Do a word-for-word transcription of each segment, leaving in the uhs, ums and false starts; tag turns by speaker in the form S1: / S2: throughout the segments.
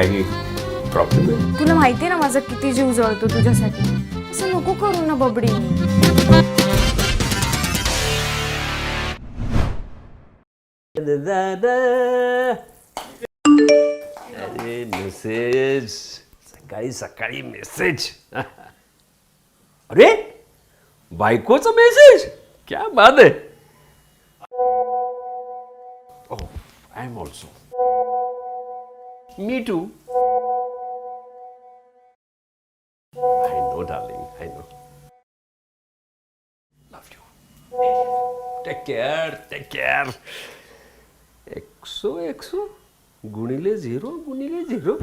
S1: काही प्रॉब्लेम आहे?
S2: तुला माहिती ना माझा किती जीव जळतो तुझ्यासाठी. असं नको करू ना बबडी.
S1: अरे मेसेज, सकाळी सकाळी मेसेज. अरे बायकोचा मेसेज, क्या बात है. Oh, I am also. Me too. I know, darling. I know. Love you. Take care. Take care. एकसो एकसो गुणिले झिरो गुणिले झिरो.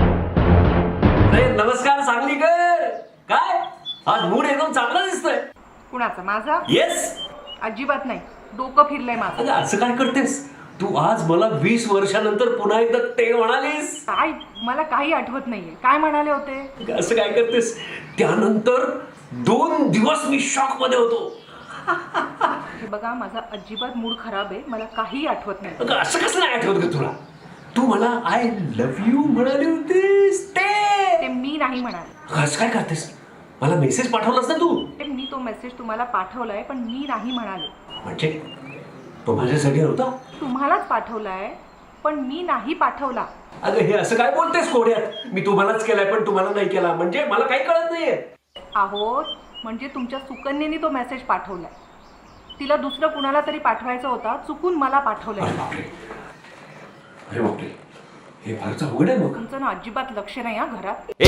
S3: नमस्कार सांगलीकर. काय आज मूड एकदम चांगला दिसतोय.
S4: कुणाचा? माझा?
S3: येस.
S4: अजिबात नाही, डोकं फिरलंय माझं.
S3: अगं असं काय करतेस तू? आज मला वीस वर्षानंतर पुन्हा एकदा ते म्हणालीस.
S4: काय? मला काही आठवत नाहीये. काय म्हणाले होते?
S3: असं काय करतेस? त्यानंतर दोन दिवस मी शॉक मध्ये होतो.
S4: हे बघा, माझा अजिबात मूड खराब आहे. मला काही आठवत नाही.
S3: अगं असं कसं नाही आठवत ग तुला? तू मला आय लव्ह यू म्हणाली होतीस ते.
S4: ते मी नाही म्हणाले.
S3: असं काय करतेस? मला मेसेज पाठवलास ना तू.
S4: ते मी तो मेसेज तुम्हाला पाठवलाय, पण मी नाही म्हणाले.
S3: म्हणजे तो माझ्यासाठी नव्हता?
S4: तुम्हालाच पाठवलाय, पण मी नाही पाठवला.
S3: अगं हे असं काय बोलतेस कोड्यात? मी तुम्हालाच केलाय पण तुम्हाला नाही केला, म्हणजे मला काही कळत नाहीये.
S4: आहोत म्हणजे तुमच्या सुकन्येने तो मेसेज पाठवलाय. तिला दुसरं कुणाला तरी पाठवायचा होता, चुकून मला पाठवलंय.
S3: अरे बापरे, अरे बापरे, हे फारच अवघड आहे. मग
S4: तुमचं ना अजिबात लक्ष नाही हा घरात.
S1: ए,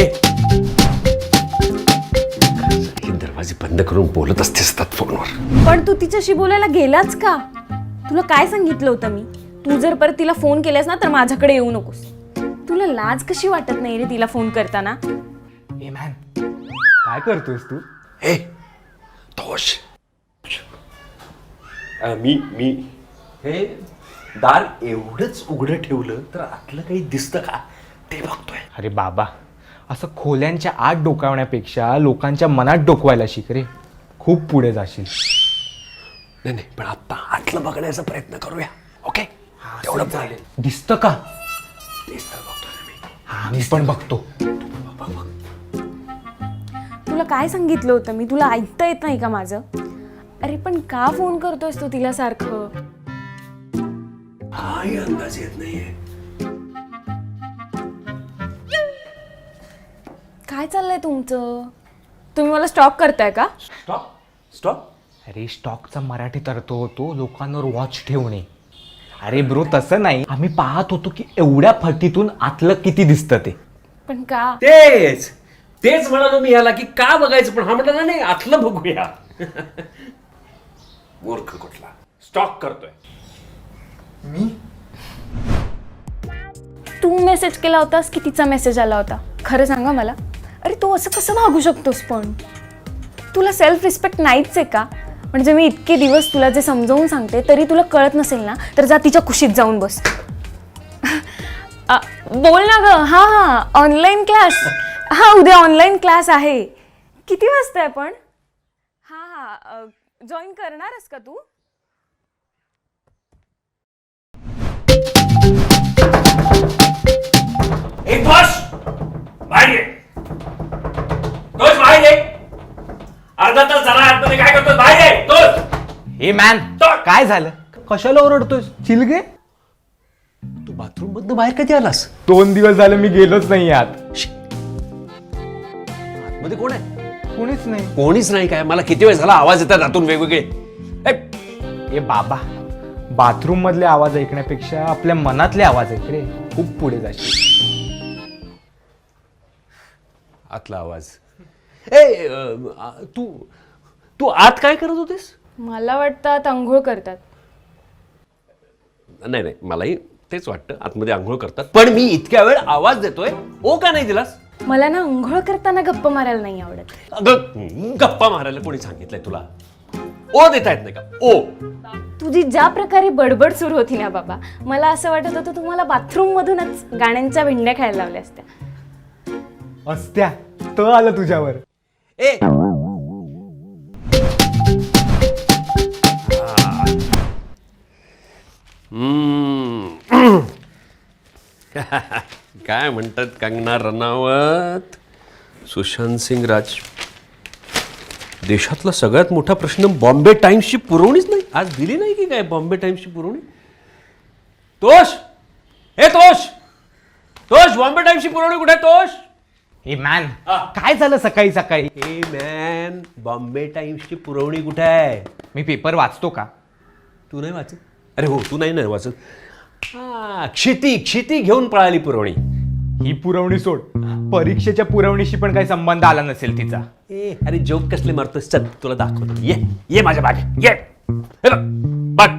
S1: हे दरवाजे बंद करून बोलत असतेस फोनवर.
S2: पण तू तिच्याशी बोलायला गेलाच का? तुला काय सांगितलं होतं मी? तू जर परत तिला फोन केलास ना तर माझ्याकडे येऊ नकोस. तुला लाज कशी वाटत नाही रे तिला फोन करताना?
S5: ए मॅन, काय करतोयस तू?
S1: ए तोश, मी मी हे दार एवढंच उघडं ठेवलं तर आतलं काही दिसतं का ते बघतोय.
S5: अरे बाबा, असं खोल्यांच्या आत डोकावण्यापेक्षा लोकांच्या मनात डोकवायला शिक रे. खूप पुढे जाशील.
S1: नाही नाही, पण आता आतलं बघण्याचा प्रयत्न करूया. ओके, तेवढं चालेल.
S5: दिसतं का?
S1: दिसतं बघतोय मी.
S5: हा, मी पण बघतो.
S1: बघ बघ.
S2: तुला काय सांगितलं होतं मी? तुला ऐकता येत नाही का माझं? अरे पण का फोन करतोयस तू तिला सारखं?
S1: हाही अंदाज येत नाहीये.
S2: काय चाललंय तुमचं? तुम्ही मला स्टॉक करताय का?
S1: Stop stop.
S5: अरे स्टॉकचा मराठीत अर्थ होतो लोकांवर वॉच ठेवणे. अरे ब्रो, तसं नाही. आम्ही पाहत होतो की एवढ्या फटीतून आतलं किती दिसतं ते.
S2: पण का?
S1: तेच तेच म्हणालो मी ह्याला की का बघायचं, पण हा म्हटला नाही आतलं बघूया. मूर्ख कुठला स्टॉक करतोय.
S5: मी
S2: तू मेसेज केला होतास की तिचा मेसेज आला होता? खरं सांगा मला. अरे तू असं कसं वागू शकतोस? पण तुला सेल्फ रिस्पेक्ट नाहीच आहे का? म्हणजे मी इतके दिवस तुला जे समजावून सांगते तरी तुला कळत नसेल ना, तर जा तिच्या कुशीत जाऊन बस. बोल ना ग. हा हा ऑनलाईन क्लास. हा उद्या ऑनलाईन क्लास आहे. किती वाजता आहे पण? हा हा जॉईन करणारस का तू?
S3: एक बस बाहेर ये. तोच बाहेर ये. अर्धा तास झाला आतमध्ये काय करतोस? बाहेर ये तोच.
S5: ए मॅन, काय झालं? कशाला ओरडतोयस? चिलगे,
S1: तू बाथरूम मधनं बाहेर कधी आलास?
S5: दोन दिवस झाले मी गेलोच नाही आत.
S1: आतमध्ये कोण आहे?
S5: कोणीच नाही.
S1: कोणीच नाही. काय मला किती वेळ झाला आवाज येतात आतून वेगवेगळे.
S5: ए बाबा, बाथरूम मधले आवाज ऐकण्यापेक्षा आपल्या मनातले आवाज ऐक रे. खूप पुढे जाशील.
S1: आतला आवाज. ए अ, तू तू आत काय करत होतीस?
S2: मला वाटतं आता अंघोळ करतात.
S1: नाही नाही, मलाही तेच वाटतं आतमध्ये आंघोळ करतात. पण मी इतक्या वेळ आवाज देतोय, ओ का नाही दिलास?
S2: मला ना अंघोळ करताना गप्पा मारायला नाही आवडत.
S1: अगं गप्पा मारायला कोणी सांगितलंय तुला? ओ देता येत नाही का? ओ.
S2: तुझी ज्या प्रकारे बडबड सुरू होती ना बाबा, मला असं वाटत होतं तुम्हाला बाथरूम मधूनच गाण्यांच्या भेंड्या खेळायला लावल्या असत्या.
S5: असत्या तर आलं तुझ्यावर.
S1: ए काय म्हणतात कंगना रनावत? सुशांत सिंग राज, देशातला सगळ्यात मोठा प्रश्न बॉम्बे टाइम्सची पुरवणीच नाही. आज दिली नाही की काय बॉम्बे टाइम्सची पुरवणी? तोष, हे तोष, तोष, बॉम्बे टाइम्सची पुरवणी कुठे आहे तोष?
S5: हे मॅन, काय झालं सकाळी सकाळी?
S1: ए मॅन, बॉम्बे टाइम्सची पुरवणी कुठे आहे?
S5: मी पेपर वाचतो का?
S1: तू नाही वाचत? अरे हो, तू नाही ना वाचत. हा, क्षिती क्षिती घेऊन पळाली पुरवणी.
S5: ही पुरवणी सोड, परीक्षेच्या पुरवणीशी पण काही संबंध आला नसेल तिचा.
S1: ए अरे जोक कसले मारतोस? चल तुला दाखवतो. ये ये माझ्या बाग ये. हे बघ, बघ.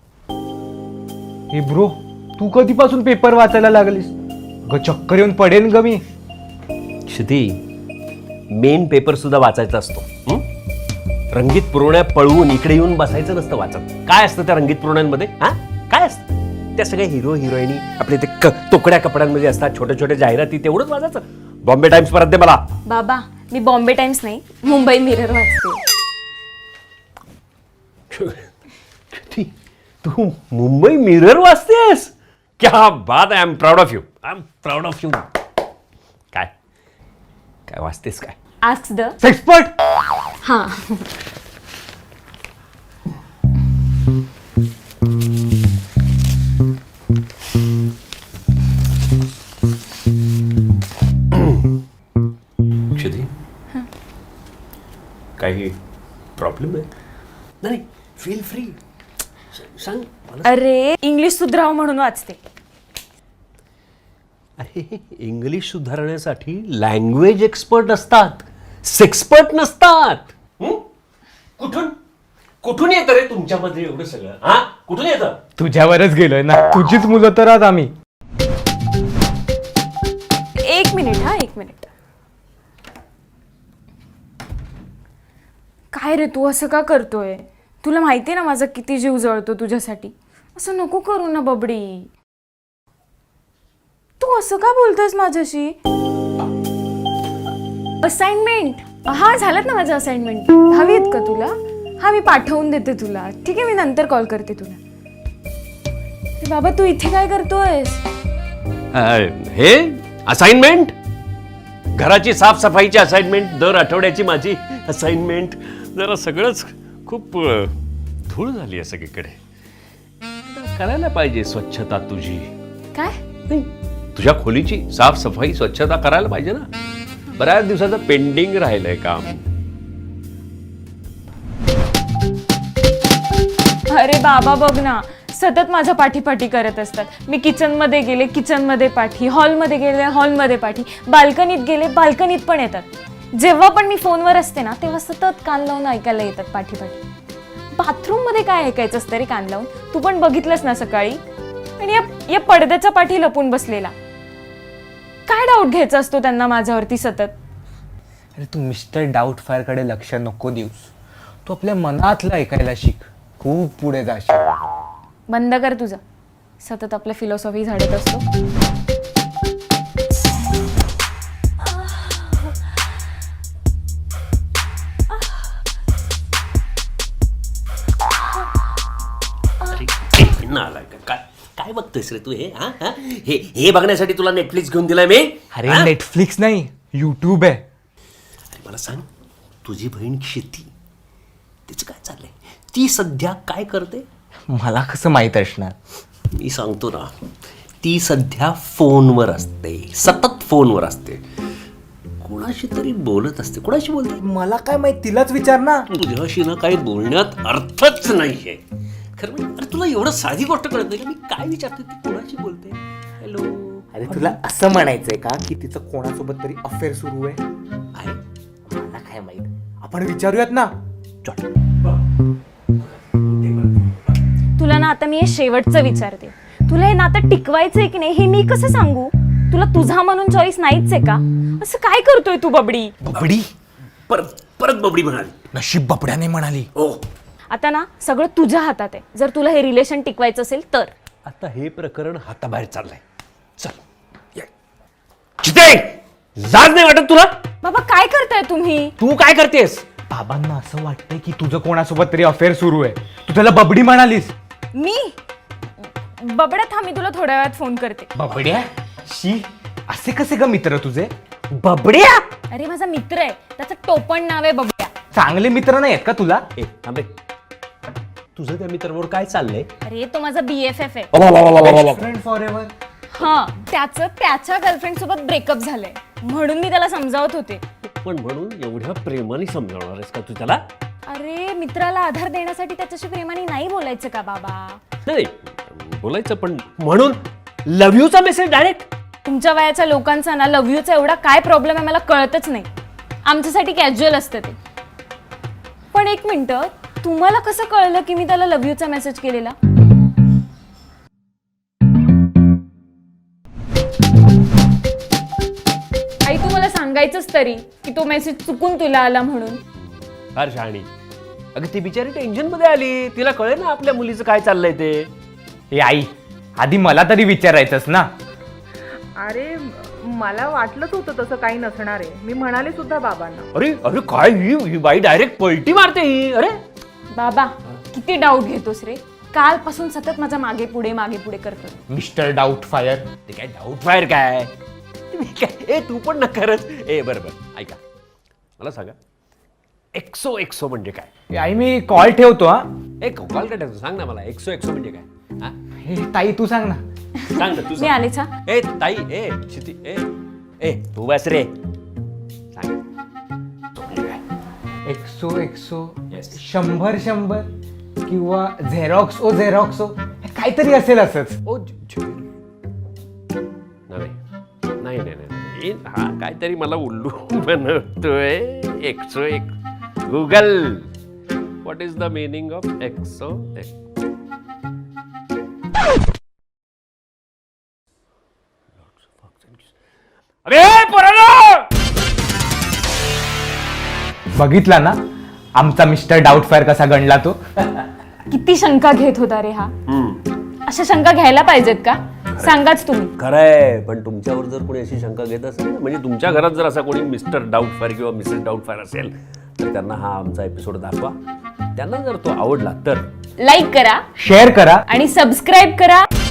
S5: हे ब्रो, तू कधीपासून पेपर वाचायला लागलीस ग? चक्कर येऊन पडेन ग मी.
S1: क्षिती, मेन पेपर सुद्धा वाचायचा असतो. हं? रंगीत पुरवण्या पळवून इकडे येऊन बसायचं नसतं वाचत. काय असतं त्या रंगीत पुरवण्यांमध्ये? हा, काय असतं? त्या सगळ्या हिरो हिरोईनी आपले ते क तोकड्या कपड्यांमध्ये असतात, छोट्या छोट्या जाहिराती, तेवढंच वाचायचं. बॉम्बे टाइम्स परत दे मला.
S2: बाबा, मी बॉम्बे टाइम्स नाही, मुंबई मिरर वाचते.
S1: क्षिती, तू मुंबई मिरर वाचतेस? क्या बात आहे. I am proud of you. I am proud of you. काय काय वाचतेस काय?
S2: Ask the
S5: expert.
S2: हां.
S1: क्षिती, काही प्रॉब्लेम आहे? नाही, फील फ्री, सांग मला.
S2: अरे, इंग्लिश सुधराव म्हणून वाचते.
S1: अरे, इंग्लिश सुधारण्यासाठी लँग्वेज एक्सपर्ट असतात, सेक्सपर्ट नसतात. हं? कुठून कुठून येतं रे तुमच्यामध्ये एवढं सगळं? हा, कुठून येतं?
S5: तुझ्यावरच गेलोय ना, तुझीच मुलं तर आहात आम्ही.
S2: एक मिनिट हा एक मिनिट. काय रे, तू असं का करतोय? तुला माहिती आहे ना माझा किती जीव जळतो तुझ्यासाठी. असं नको करू ना बबडी. तू असं का बोलतोयस माझ्याशी? असाइनमेंट, हा झालं ना माझं असाइनमेंट. हवी आहेत का तुला? हा, मी पाठवून देते तुला. ठीक आहे, मी नंतर कॉल करते तुला. अरे बाबा, तू इथे काय करतोयस?
S1: हे असाइनमेंट, घराची साफसफाईची असाइनमेंट, दर आठवड्याची माझी असाइनमेंट. जरा सगळंच खूप अ, धूळ झाली आहे सगळीकडे. करायला पाहिजे स्वच्छता तुझी.
S2: काय?
S1: नाही, तुझ्या खोलीची साफसफाई स्वच्छता करायला पाहिजे ना. बऱ्याच दिवसाचं पेंडिंग राहिलंय काम.
S2: अरे बाबा बघ ना, सतत माझ्या पाठीपाठी करत असतात. मी किचनमध्ये गेले किचनमध्ये पाठी, हॉलमध्ये गेले हॉलमध्ये पाठी, बाल्कनीत गेले बाल्कनीत पण येतात. जेव्हा पण मी फोनवर असते ना, तेव्हा सतत कान लावून ऐकायला येतात पाठीपाठी. बाथरूममध्ये काय ऐकायचं असतं रे कान लावून? तू पण बघितलंस ना सकाळी. आणि या या पडद्याच्या पाठी लपून बसलेला. काय डाऊट घ्यायचा असतो त्यांना माझ्यावरती सतत?
S5: अरे, तू मिस्टर डाऊट फायर कडे लक्ष नको देऊस. तू आपल्या मनातलं ऐकायला शिक, खूप पुढे जाशील.
S2: बंद कर तुझं. सतत आपल्या फिलॉसॉफी झाडत असतो.
S1: काय काय बघतोयस रे तू? हे हा हा? हे हे बघण्यासाठी तुला नेटफ्लिक्स घेऊन दिलाय मी?
S5: अरे,
S1: हा?
S5: नेटफ्लिक्स नाही, युट्यूब आहे.
S1: अरे मला सांग, तुझी बहीण क्षिती, तिचं काय चाललंय? ती सध्या काय करते?
S5: मला कसं माहित असणार?
S1: मी सांगतो ना, ती सध्या फोनवर असते, सतत फोनवर असते. कोणाशी तरी बोलत असते. कोणाशी बोलते?
S5: मला काय माहित, तिलाच विचार ना.
S1: तुझ्याशी ना काही बोलण्यात अर्थच नाहीये. खरं म्हणजे, अरे तुला एवढं साधी गोष्ट कळत नाही का? मी काय विचारते, ती कोणाशी बोलते? हॅलो.
S5: अरे, तुला असं म्हणायचंय का की तिचं कोणासोबत तरी अफेअर सुरू आहे?
S1: आहे?
S5: मला काय माहित, आपण विचारूयात ना.
S1: चल.
S2: तुला ना आता मी हे शेवटचं विचारते. तुला हे नातं टिकवायचंय की नाही हे मी कसं सांगू? तुला तुझा म्हणून चॉईस नाहीच आहे का? असं काय करतोय तू बबडी?
S5: बबडी?
S1: परत परत बबडी म्हणाली.
S5: नशीब बबड्याने म्हणाली.
S1: ओ,
S2: आता ना सगळं तुझ्या हातात आहे. जर तुला हे रिलेशन टिकवायचं असेल तर.
S1: आता हे प्रकरण हाताबाहेर चाललंय. चल ये. चिते, लाज नाही वाटत तुला?
S2: बाबा काय करताय तुम्ही?
S1: तू काय करतेस?
S5: बाबांना असं वाटतंय की तुझं कोणासोबत तरी अफेअर सुरू आहे. तू त्याला बबडी म्हणालीस.
S2: मी बबड्या, थांब, मी तुला थोड्या वेळात फोन करते.
S5: बबड्या? शी, असे कसे ग मित्र तुझे?
S1: बबड्या.
S2: अरे माझा मित्र आहे, त्याचं टोपण नाव आहे बबड्या.
S5: चांगले मित्र नाही आहेत का तुला?
S1: ए थांबे, तुझं त्या मित्राबरोबर काय चाललंय?
S2: अरे तो माझा बी एफ एफ आहे.
S5: Friend forever.
S2: हा, त्याचं त्याच्या गर्लफ्रेंड सोबत ब्रेकअप झालंय, म्हणून मी त्याला समजावत होते.
S1: पण म्हणून एवढ्या प्रेमाने समजावणार आहेस का तू त्याला?
S2: अरे मित्राला आधार देण्यासाठी त्याच्याशी प्रेमाने नाही बोलायचं का बाबा?
S1: नाही बोलायचं, पण म्हणून लव्ह यूचा मेसेज डायरेक्ट.
S2: तुमच्या वयाच्या लोकांचा ना लव्ह यूचा एवढा काय प्रॉब्लेम आहे मला कळतच नाही. आमच्यासाठी कॅज्युअल असतं ते. पण एक मिनिट, तुम्हाला कसं कळलं की मी त्याला लव्ह यूचा मेसेज केलेला? आई तू मला सांगायचंच तरी की तो मेसेज चुकून तुला आला म्हणून.
S1: फार शहाणी. अगं ती बिचारी टेन्शन मध्ये आली, तिला कळे ना आपल्या मुलीचं काय चाललंय ते.
S5: ए आई, आधी मला तरी विचारायचंच ना.
S4: अरे मला वाटलंच होतं तसं काही नसणार आहे. मी म्हणाले सुद्धा बाबांना.
S1: अरे अरे काय ही ही बाई डायरेक्ट पलटी मारते ही. अरे
S2: बाबा किती डाऊट घेतोस रे, कालपासून सतत माझ्या मागे पुढे मागे पुढे करतो.
S5: Mister doubt fire.
S1: ते काय डाऊट फायर काय? तुम्ही काय ए तू पण न करत. ए बरं बरं ऐका, मला सांगा एक्सो एक्सो म्हणजे काय?
S5: ए आई मी कॉल ठेवतो हा.
S1: ए कॉल काय टाकतो, सांग ना मला एक्सो एक्सो म्हणजे काय? हा
S5: हे ताई तू सांग ना.
S1: सांग ना तू
S2: मी
S1: सांग.
S2: आलेच हा.
S1: ए ताई ए क्षिती ए ए तू बस रे. सांग तो म्हणजे काय?
S5: एक्सो एक्सो
S1: Yes.
S5: शंभर शंभर किंवा झेरॉक्स ओ झेरॉक्सो काहीतरी असेल असंच.
S1: ओ ज- ज- नाही नाही नाही नाही हा काहीतरी मला उल्लू बनवतोय. एक्सो एक Google what is the meaning of एक्सो एक? अरे पोरांनो!
S5: बघितला ना आमचा मिस्टर डाऊट फायर कसा गणला तो.
S2: किती शंका घेत होता रे हा. अशा शंका घ्यायला पाहिजेत का? सांगाच तुम्ही.
S1: खरंय, पण तुमच्यावर जर कोणी अशी शंका घेत असेल ना, म्हणजे तुमच्या घरात जर असा कोणी मिस्टर डाऊट फायर किंवा मिसेस डाऊट फायर असेल तर त्यांना हा आमचा एपिसोड दाखवा. त्यांना जर तो आवडला तर
S2: लाईक करा,
S5: शेअर करा
S2: आणि सबस्क्राईब करा.